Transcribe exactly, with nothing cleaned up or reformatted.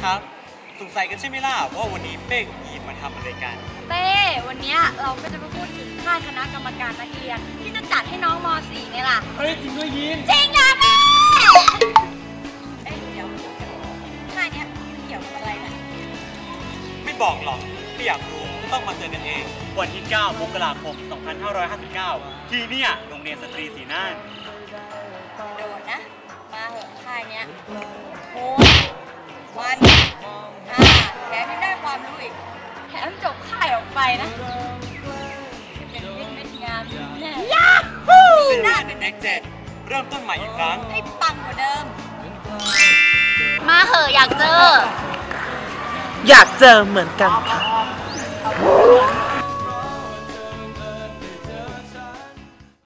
ครับสงสัยกันใช่ไหมล่ะว่าวันนี้เป้กับยีนมาทำอะไรกันเต้วันนี้เราก็จะมาพูดถึงค่ายคณะกรรมการนักเรียนที่จะจัดให้น้องม .สี่ ไงล่ะเฮ้ยจริงด้วยยีนจริงนะแม่เอ้ยเดี๋ยวค่ายเนี้ยมันเกี่ยวกับอะไรนะไม่บอกหรอกถ้าอยากรู้ก็ต้องมาเจอกันเองวันที่เก้ามกราคมสองพันห้าร้อยห้าสิบเก้าที่เนี่ยโรงเรียนสตรีศรีน่านโดดนะมาเหอะค่ายเนี้ยโหวันอ่าแถมยังได้ความรู้อีกแถมจบค่ายออกไปนะเป็นเม็ดเม็ดงามแน่ยาฮูซีน่าเด็กเจ็ดเริ่มต้นใหม่อีกครั้งให้ปังกว่าเดิมมาเหอะอยากเจออยากเจอเหมือนกันค่ะ